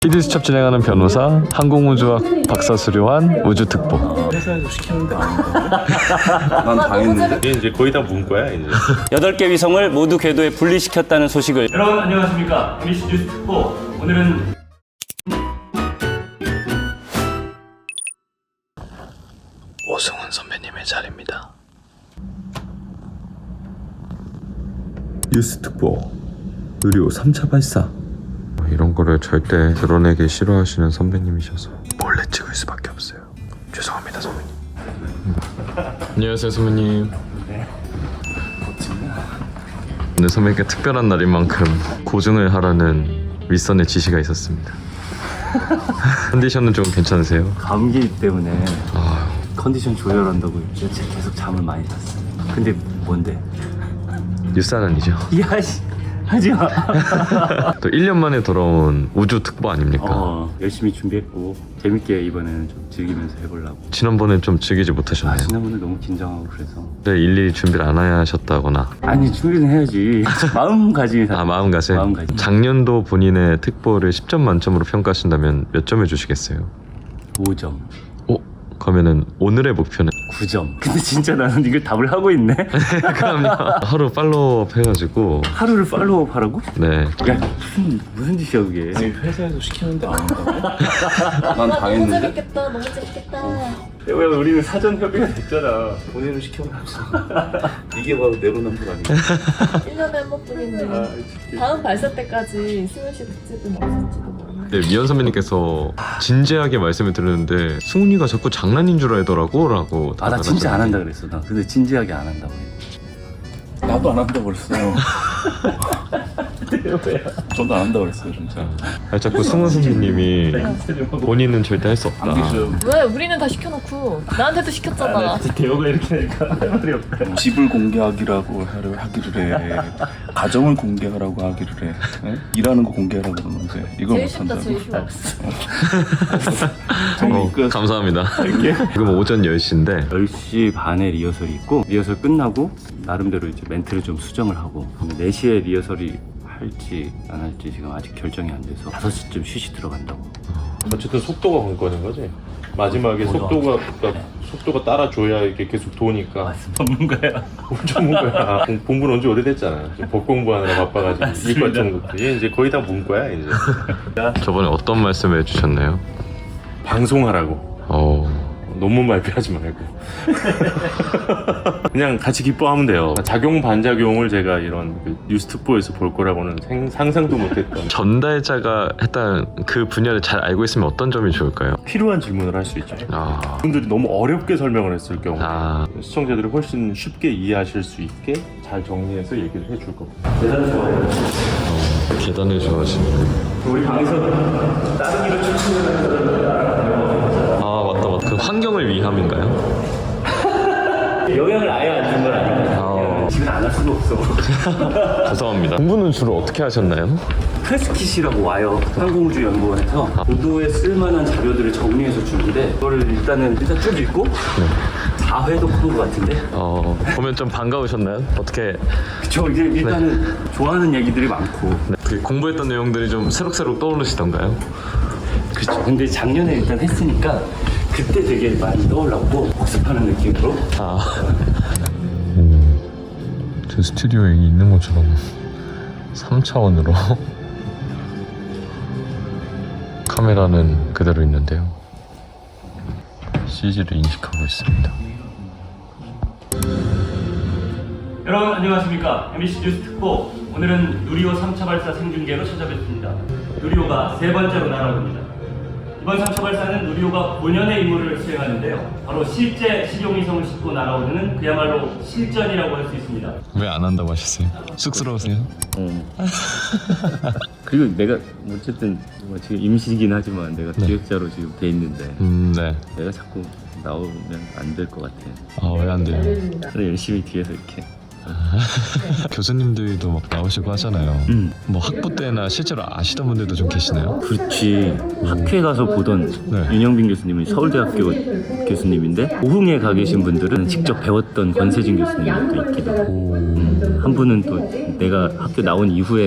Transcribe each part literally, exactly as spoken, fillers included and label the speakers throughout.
Speaker 1: 피디수첩 진행하는 변호사, 항공우주학 박사 수료한 우주특보.
Speaker 2: 회사에서 시키는데 아닌가? 난 당했는데?
Speaker 3: 이제 거의 다 문과야 이제.
Speaker 4: 여덟 개 위성을 모두 궤도에 분리시켰다는 소식을.
Speaker 5: 여러분 안녕하십니까. 엠비씨 뉴스 특보. 오늘은
Speaker 1: 오승훈 선배님의 자리입니다. 뉴스특보 의료 삼 차 발사.
Speaker 6: 이런 거를 절대 드러내기 싫어하시는 선배님이셔서
Speaker 1: 몰래 찍을 수밖에 없어요. 죄송합니다 선배님. 안녕하세요 선배님. 오늘 선배님께 특별한 날인 만큼 고증을 하라는 윗선의 지시가 있었습니다. 컨디션은 좀 괜찮으세요?
Speaker 4: 감기 때문에
Speaker 1: 아,
Speaker 4: 컨디션 조절한다고 며칠 계속 잠을 많이 잤어요. 근데 뭔데?
Speaker 1: 뉴스안이죠.
Speaker 4: 야씨 하지마.
Speaker 1: 또 일 년 만에 돌아온 우주특보 아닙니까?
Speaker 4: 어, 열심히 준비했고 재밌게 이번에는 좀 즐기면서 해보려고.
Speaker 1: 지난번엔 좀 즐기지
Speaker 4: 아,
Speaker 1: 못하셨나요?
Speaker 4: 지난번에 너무 긴장하고 그래서.
Speaker 1: 네, 일일이 준비를 안 하셨다거나.
Speaker 4: 아니 준비는 해야지. 마음가짐이 다.
Speaker 1: 아, 마음가짐.
Speaker 4: 마음가짐.
Speaker 1: 작년도 본인의 특보를 십 점 만점으로 평가하신다면 몇 점을 주시겠어요?
Speaker 4: 오 점.
Speaker 1: 오, 그러면은 오늘의 목표는?
Speaker 4: 구 점. 근데 진짜 나는 이걸 답을 하고 있네.
Speaker 1: 그럼요. 하루 팔로우업 해가지고.
Speaker 4: 하루를 팔로우업 하라고?
Speaker 1: 네.
Speaker 4: 야 무슨 무슨 짓이야 그게.
Speaker 2: 아니 회사에서 시키는데 아닌가? 난
Speaker 7: 너무
Speaker 2: 당했는데?
Speaker 7: 재밌겠다. 너무 재밌겠다.
Speaker 4: 왜 우리는 사전 협의가 됐잖아.
Speaker 2: 본인을 시켜놨어. 이게 바로 내로남불 아닌가?
Speaker 7: 일 년에 한 번뿐인데 다음 발사 때까지 승훈 씨 특집은 없을지도 모르겠네.
Speaker 1: 네, 미연 선배님께서 진지하게 말씀을 드렸는데 승훈이가 자꾸 장난인 줄 알더라고 라고.
Speaker 4: 아 나 진짜 안 한다 그랬어. 나 근데 진지하게 안 한다고 해.
Speaker 2: 나도 안 한다고 그랬어요. 저도 안 한다고 그랬어요 진짜.
Speaker 1: 아, 자꾸 승훈 선배님이 본인은 절대 할 수 없다.
Speaker 2: 안기 좀
Speaker 7: 왜 우리는 다 시켜놓고 나한테도 시켰잖아.
Speaker 4: 대호가 이렇게 하니까 할 말이 없다.
Speaker 2: 집을 공개하기라고 하려 하기를 해. 가정을 공개하라고 하기를 해. 에? 일하는 거 공개하라고 그러는데 이걸
Speaker 7: 제일 쉽다.
Speaker 2: 못한다고.
Speaker 7: 제일 쉬워.
Speaker 1: 어,
Speaker 2: 끝.
Speaker 1: 감사합니다. 지금 오전 열 시인데
Speaker 4: 열 시 반에 리허설이 있고 리허설 끝나고 나름대로 이제 멘트를 좀 수정을 하고 네 시에 리허설이 할지 안 할지 지금 아직 결정이 안 돼서 다섯 시쯤 쉬시 들어간다고.
Speaker 3: 어쨌든 속도가 관건인 거지. 마지막에 속도가 그러니까 속도가 따라줘야 이게 계속 도니까.
Speaker 4: 전문가야.
Speaker 3: 전문가야. 공- 공부는 언제 오래됐잖아. 지금 법 공부하느라 바빠가지고 이과 전공부. 얘 이제 거의 다 문과야 이제.
Speaker 1: 저번에 어떤 말씀을 해주셨나요?
Speaker 3: 방송하라고.
Speaker 1: 어,
Speaker 3: 논문 발표하지 말고. 그냥 같이 기뻐하면 돼요. 작용 반작용을 제가 이런 그 뉴스특보에서 볼 거라고는 생, 상상도 못했던.
Speaker 1: 전달자가 했던 그 분야를 잘 알고 있으면 어떤 점이 좋을까요?
Speaker 3: 필요한 질문을 할 수 있죠.
Speaker 1: 아,
Speaker 3: 분들이 너무 어렵게 설명을 했을 경우
Speaker 1: 아,
Speaker 3: 시청자들이 훨씬 쉽게 이해하실 수 있게 잘 정리해서 얘기를 해줄 겁니다.
Speaker 1: 계단을 좋아하시는.
Speaker 4: 우리 방에서 따르기로
Speaker 1: 아, 맞다, 맞다. 그 환경을 위함인가요?
Speaker 4: 영향을 아예 안 준 건 아니고
Speaker 1: 아,
Speaker 4: 집에 안 할 수가 없어.
Speaker 1: 죄송합니다. 공부는 주로 어떻게 하셨나요?
Speaker 4: 프레스킷이라고 와요. 항공우주연구원에서 보도에 쓸만한 자료들을 정리해서 주는데 그거를 일단은 일단 쭉 읽고 사 회 독한 것 같은데.
Speaker 1: 어, 보면 좀 반가우셨나요? 어떻게?
Speaker 4: 그쵸. 이제 일단은 좋아하는 얘기들이 많고.
Speaker 1: 네, 그 공부했던 내용들이 좀 새록새록 떠오르시던가요?
Speaker 4: 그쵸. 근데 작년에 일단 했으니까 그때 되게 많이 떠올랐고 복습하는 느낌으로.
Speaker 1: 아, 음, 저 스튜디오에 있는 것처럼 삼 차원으로 카메라는 그대로 있는데요. 씨지를 인식하고 있습니다.
Speaker 5: 여러분 안녕하십니까. 엠비씨 뉴스 특보. 오늘은 누리호 삼 차 발사 생중계로 찾아뵙습니다. 누리호가 세 번째로 날아옵니다. 이번 삼 차 발사는 누리호가 오 년의 임무를 수행하는데요. 바로 실제 실용위성을 싣고 날아오는 그야말로 실전이라고 할 수 있습니다.
Speaker 1: 왜 안 한다고 하셨어요? 쑥스러우세요?
Speaker 4: 응. 그리고 내가 어쨌든 뭐 지금 임시이긴 하지만 내가
Speaker 1: 네.
Speaker 4: 기획자로 지금 돼 있는데
Speaker 1: 음, 네.
Speaker 4: 내가 자꾸 나오면 안 될 것 같아.
Speaker 1: 아, 왜 안 돼요?
Speaker 4: 그래 열심히 뒤에서 이렇게.
Speaker 1: 교수님들도 막 나오시고 하잖아요.
Speaker 4: 음.
Speaker 1: 뭐 학부 때나 실제로 아시던 분들도 좀 계시나요?
Speaker 4: 그렇지. 학회 가서 보던
Speaker 1: 네.
Speaker 4: 윤영빈 교수님은 서울대학교 교수님인데 오흥에 가 계신 분들은 직접 배웠던 권세진 교수님도 있기도 하고
Speaker 1: 오,
Speaker 4: 음, 한 분은 또 내가 학교 나온 이후에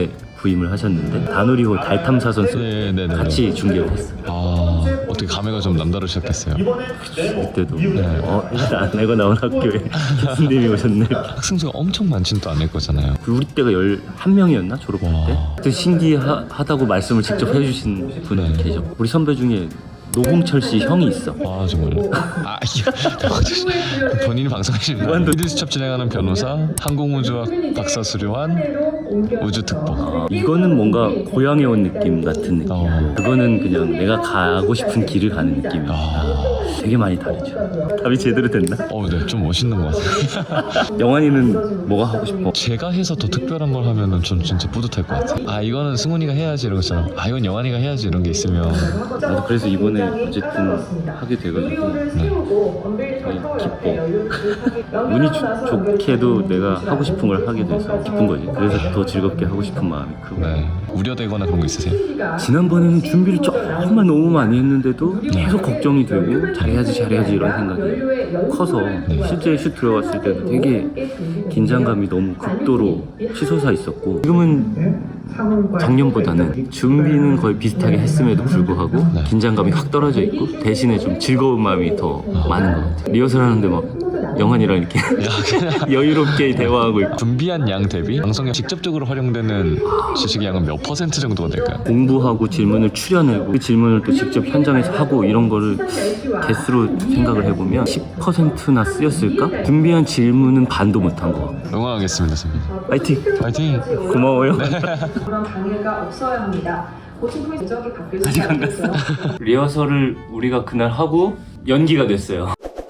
Speaker 4: 부임을 하셨는데 다누리호 달 탐사 선수
Speaker 1: 네, 네, 네.
Speaker 4: 같이 중계를 했어.
Speaker 1: 아, 어떻게 감회가 좀 남다르셨겠어요.
Speaker 4: 그때도 어 일단 내가 나온 학교에 교수님이 오셨네.
Speaker 1: 학생 수가 엄청 많진 또 않을 거잖아요.
Speaker 4: 우리 때가 열한 명이었나 졸업할 때?
Speaker 1: 와.
Speaker 4: 그때 신기하다고 말씀을 직접 해주신 분이
Speaker 1: 네.
Speaker 4: 계셔. 우리 선배 중에 노홍철 씨 형이 있어.
Speaker 1: 아 정말요? 아 이거 본인이 방송하시는 거예요? 히든스첩 진행하는 변호사, 항공우주학 박사 수료한 우주특보.
Speaker 4: 이거는 뭔가 고향에 온 느낌 같은 느낌.
Speaker 1: 어.
Speaker 4: 그거는 그냥 내가 가고 싶은 길을 가는 느낌이야.
Speaker 1: 아,
Speaker 4: 되게 많이 다르죠. 답이 제대로 됐나?
Speaker 1: 어, 네, 좀 멋있는 것 같아요.
Speaker 4: 영환이는 뭐가 하고 싶어?
Speaker 1: 제가 해서 더 특별한 걸 하면은 전 진짜 뿌듯할 것 같아요. 아 이거는 승훈이가 해야지 이런 것처럼, 아 이건 영환이가 해야지 이런 게 있으면
Speaker 4: 나도 그래서 이번에 어쨌든 하게 돼가지고 되게 기뻐. 운이 주, 좋게도 내가 하고 싶은 걸 하게 돼서 기쁜 거지. 그래서 더 즐겁게 하고 싶은 마음이 크고.
Speaker 1: 네. 우려되거나 그런 거 있으세요?
Speaker 4: 지난번에는 준비를 정말 너무 많이 했는데도 계속 걱정이 되고 잘해야지 잘해야지 이런 생각이 커서 실제 슛 들어갔을 때도 되게 긴장감이 너무 극도로 치솟아 있었고, 지금은 작년보다는 준비는 거의 비슷하게 했음에도 불구하고 긴장감이 확 떨어져 있고 대신에 좀 즐거운 마음이 더 많은 것 같아요. 리허설 하는데 막 영환이랑 이렇게 여유롭게 대화하고 있고.
Speaker 1: 준비한 양 대비 방송에 직접적으로 활용되는 지식의 양은 몇 퍼센트 정도가 될까요?
Speaker 4: 공부하고 질문을 추려내고 그 질문을 또 직접 현장에서 하고 이런 거를 개수로 생각을 해보면 십 퍼센트나 쓰였을까? 준비한 질문은 반도 못한 거 같고.
Speaker 1: 응원하겠습니다, 선배님.
Speaker 4: 파이팅!
Speaker 1: 파이팅!
Speaker 4: 고마워요.
Speaker 8: 그런 방해가 없어야 합니다. 고층 포인트 적이 바뀔
Speaker 4: 아직 안
Speaker 8: 있어요.
Speaker 4: 리허설을 우리가 그날 하고 연기가 됐어요.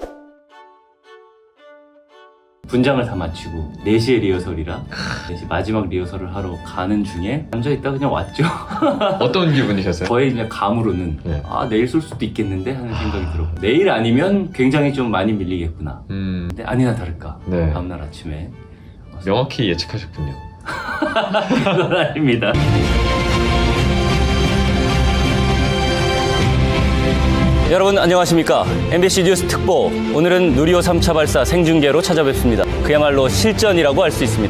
Speaker 4: 분장을 다 마치고 네 시에 리허설이라 네 시 마지막 리허설을 하러 가는 중에 앉아있다 그냥 왔죠.
Speaker 1: 어떤 기분이셨어요?
Speaker 4: 저의 그냥 감으로는
Speaker 1: 네.
Speaker 4: 아 내일 쏠 수도 있겠는데 하는 생각이 들었고, 내일 아니면 굉장히 좀 많이 밀리겠구나.
Speaker 1: 음,
Speaker 4: 근데 아니나 다를까
Speaker 1: 네.
Speaker 4: 다음날 아침에
Speaker 1: 명확히 예측하셨군요.
Speaker 4: 그건 아닙니다.
Speaker 5: 여러분 안녕하십니까. 엠비씨 뉴스 특보, 오늘은 누리호 삼 차 발사 생중계로 찾아뵙습니다. 그야말로 실전이라고 할 수 있습니다.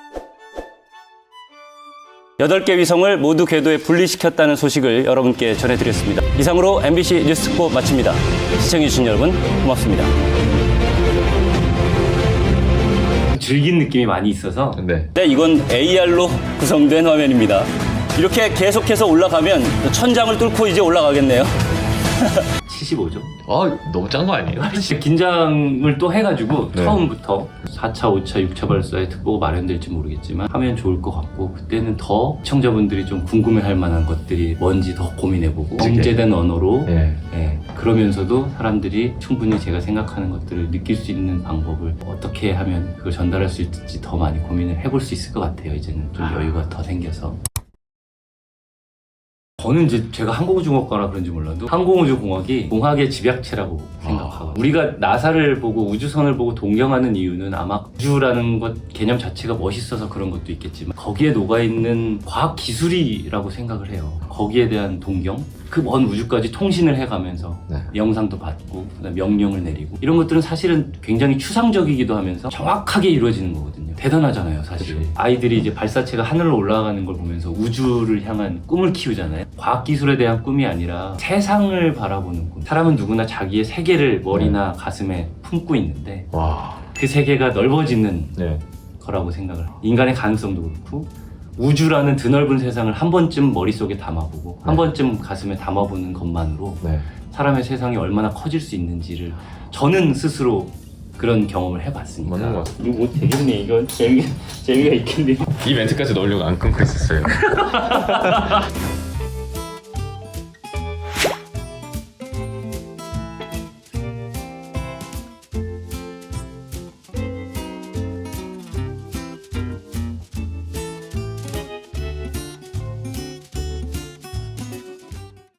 Speaker 5: 여덟 개 위성을 모두 궤도에 분리시켰다는 소식을 여러분께 전해드렸습니다. 이상으로 엠비씨 뉴스 특보 마칩니다. 시청해주신 여러분 고맙습니다.
Speaker 4: 즐긴 느낌이 많이 있어서
Speaker 1: 네.
Speaker 5: 네, 이건 에이알로 구성된 화면입니다. 이렇게 계속해서 올라가면 천장을 뚫고 이제 올라가겠네요.
Speaker 4: 칠십오죠.
Speaker 1: 아 너무 짠 거 아니에요?
Speaker 4: 긴장을 또 해가지고
Speaker 1: 네.
Speaker 4: 처음부터 사 차, 오 차, 육 차 발사의 특보가 마련될지 모르겠지만 하면 좋을 것 같고, 그때는 더 시청자분들이 좀 궁금해할 만한 것들이 뭔지 더 고민해보고 정제된 언어로
Speaker 1: 네.
Speaker 4: 예, 그러면서도 사람들이 충분히 제가 생각하는 것들을 느낄 수 있는 방법을 어떻게 하면 그걸 전달할 수 있을지 더 많이 고민을 해볼 수 있을 것 같아요. 이제는 좀 여유가 더 생겨서. 저는 이제 제가 항공우주공학과라 그런지 몰라도 항공우주공학이 공학의 집약체라고 생각하고, 우리가 나사를 보고 우주선을 보고 동경하는 이유는 아마 우주라는 것 개념 자체가 멋있어서 그런 것도 있겠지만 거기에 녹아있는 과학 기술이라고 생각을 해요. 거기에 대한 동경, 그 먼 우주까지 통신을 해가면서
Speaker 1: 네.
Speaker 4: 영상도 받고 그다음에 명령을 내리고 이런 것들은 사실은 굉장히 추상적이기도 하면서 정확하게 이루어지는 거거든요. 대단하잖아요, 사실. 그렇죠. 아이들이 이제 발사체가 하늘로 올라가는 걸 보면서 우주를 향한 꿈을 키우잖아요. 과학기술에 대한 꿈이 아니라 세상을 바라보는 꿈. 사람은 누구나 자기의 세계를 머리나 가슴에 품고 있는데
Speaker 1: 와.
Speaker 4: 그 세계가 넓어지는
Speaker 1: 네.
Speaker 4: 거라고 생각을 해요. 인간의 가능성도 그렇고 우주라는 드넓은 세상을 한 번쯤 머릿속에 담아보고 한
Speaker 1: 네.
Speaker 4: 번쯤 가슴에 담아보는 것만으로
Speaker 1: 네.
Speaker 4: 사람의 세상이 얼마나 커질 수 있는지를 저는 스스로 그런 경험을 해봤으니까.
Speaker 1: 맞는 것 같아요.
Speaker 4: 이거 뭐 되겠네. 이건 재미, 재미가 있겠네.
Speaker 1: 이 멘트까지 넣으려고 안 끊고 있었어요.